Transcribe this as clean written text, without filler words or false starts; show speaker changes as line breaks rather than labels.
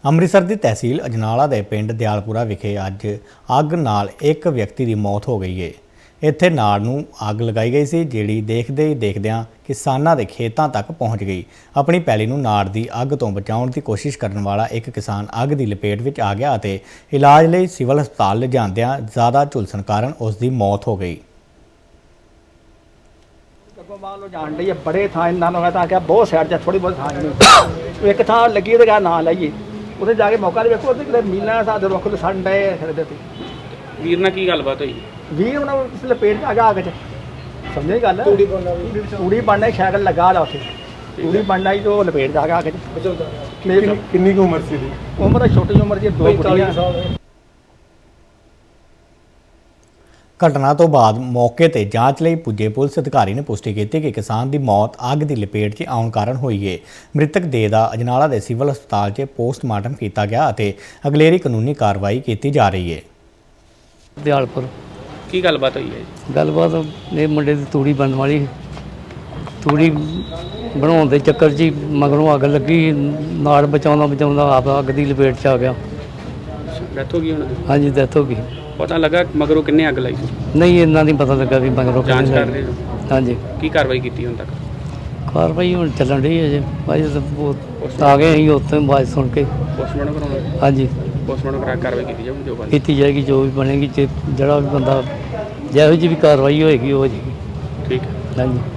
ਅੰਮ੍ਰਿਤਸਰ ਦੀ ਤਹਿਸੀਲ ਅਜਨਾਲਾ ਦੇ ਪਿੰਡ ਦਿਆਲਪੁਰਾ ਵਿਖੇ ਅੱਜ ਅੱਗ ਨਾਲ ਇੱਕ ਵਿਅਕਤੀ ਦੀ ਮੌਤ ਹੋ ਗਈ ਹੈ। ਇੱਥੇ ਨਾੜ ਨੂੰ ਅੱਗ ਲਗਾਈ ਗਈ ਸੀ, ਜਿਹੜੀ ਦੇਖਦੇ ਹੀ ਦੇਖਦਿਆਂ ਕਿਸਾਨਾਂ ਦੇ ਖੇਤਾਂ ਤੱਕ ਪਹੁੰਚ ਗਈ। ਆਪਣੀ ਪੈਲੀ ਨੂੰ ਨਾੜ ਦੀ ਅੱਗ ਤੋਂ ਬਚਾਉਣ ਦੀ ਕੋਸ਼ਿਸ਼ ਕਰਨ ਵਾਲਾ ਇੱਕ ਕਿਸਾਨ ਅੱਗ ਦੀ ਲਪੇਟ ਵਿੱਚ ਆ ਗਿਆ ਅਤੇ ਇਲਾਜ ਲਈ ਸਿਵਲ ਹਸਪਤਾਲ ਲਿਜਾਂਦਿਆਂ ਜ਼ਿਆਦਾ ਝੁਲਸਣ ਕਾਰਨ ਉਸ ਦੀ ਮੌਤ ਹੋ ਗਈ।
मान लो जान रही है बड़े था इन्ना था क्या बहुत साइड थोड़ी बहुत था नहीं एक था लगी तो क्या ना लाइए उसे जाके मौका देखो मिलना साथ रुख सन डे फिरदे थे
ਵੀਰ ਨਾਲ ਕੀ ਗੱਲਬਾਤ ਹੋਈ?
वीर उन्हें उस लपेट च आ गया आगे समझे गल तूड़ी बनना ही साइकिल लगा ला उसे तूड़ी बनना ही तो लपेट च आ गया आगे
कितनी उम्र सी
उम्र छोटी उम्र की दो कुड़ियां।
ਘਟਨਾ ਤੋਂ ਬਾਅਦ ਮੌਕੇ ਤੇ ਜਾਂਚ ਲਈ ਪੁੱਜੇ ਪੁਲਿਸ ਅਧਿਕਾਰੀ ਨੇ ਪੁਸ਼ਟੀ ਕੀਤੀ ਕਿ ਕਿਸਾਨ ਦੀ ਮੌਤ ਅੱਗ ਦੀ ਲਪੇਟ 'ਚ ਆਉਣ ਕਾਰਨ ਹੋਈ ਹੈ। ਮ੍ਰਿਤਕ ਦੇਹ ਦਾ ਅਜਨਾਲਾ ਦੇ ਸਿਵਲ ਹਸਪਤਾਲ 'ਚ ਪੋਸਟਮਾਰਟਮ ਕੀਤਾ ਗਿਆ ਅਤੇ ਅਗਲੇਰੀ ਕਾਨੂੰਨੀ ਕਾਰਵਾਈ ਕੀਤੀ ਜਾ ਰਹੀ ਹੈ।
ਦਿਆਲਪੁਰ
ਕੀ ਗੱਲਬਾਤ ਹੋਈ ਹੈ ਜੀ?
ਗੱਲਬਾਤ ਇਹ ਮੁੰਡੇ ਦੀ ਤੂੜੀ ਬਣਨ ਵਾਲੀ ਤੂੜੀ ਬਣਾਉਣ ਦੇ ਚੱਕਰ 'ਚ ਹੀ ਮਗਰੋਂ ਅੱਗ ਲੱਗੀ, ਨਾੜ ਬਚਾਉਂਦਾ ਆਪ ਅੱਗ ਦੀ ਲਪੇਟ 'ਚ ਆ ਗਿਆ।
ਡੈਥ ਹੋ ਗਈ ਉਹਨਾਂ ਦੀ?
ਹਾਂਜੀ ਡੈਥ ਹੋ ਗਈ।
ਪਤਾ ਲੱਗਾ ਮਗਰੋਂ ਕਿੰਨੇ ਅੱਗ ਲਾਈ ਸੀ?
ਨਹੀਂ ਇੰਨਾ ਨਹੀਂ ਪਤਾ ਲੱਗਾ ਵੀ ਮਗਰੋਂ
ਜਾਂਚ
ਕਿਹਨੇ
ਕਰ
ਲਾਈ।
ਰਹੇ ਹੋ?
ਹਾਂਜੀ
ਕੀ ਕਾਰਵਾਈ ਕੀਤੀ ਹੁਣ ਤੱਕ?
ਕਾਰਵਾਈ ਹੁਣ ਚੱਲਣ ਰਹੀ ਹੈ ਜੀ ਭਾਈ ਤਾਂ ਆ ਗਏ ਅਸੀਂ ਉੱਥੇ ਆਵਾਜ਼ ਸੁਣ ਕੇ।
ਪੋਸਟਮਾਰਟਮ ਕਰਾਉਣਾ?
ਹਾਂਜੀ
ਪੋਸਟਮਾਰਟਮ ਕਰਾ ਕਾਰਵਾਈ ਕੀਤੀ ਜਾਊਗੀ ਜੋ ਬੰਦੀ।
ਕੀਤੀ ਜਾਏਗੀ, ਜੋ ਵੀ ਬਣੇਗੀ, ਜਿਹੜਾ ਵੀ ਬੰਦਾ ਜਿਹੋ ਜਿਹੀ ਵੀ ਕਾਰਵਾਈ ਹੋਏਗੀ ਉਹ ਹੋ ਜਾਏਗੀ।
ਠੀਕ ਹੈ।
ਹਾਂਜੀ।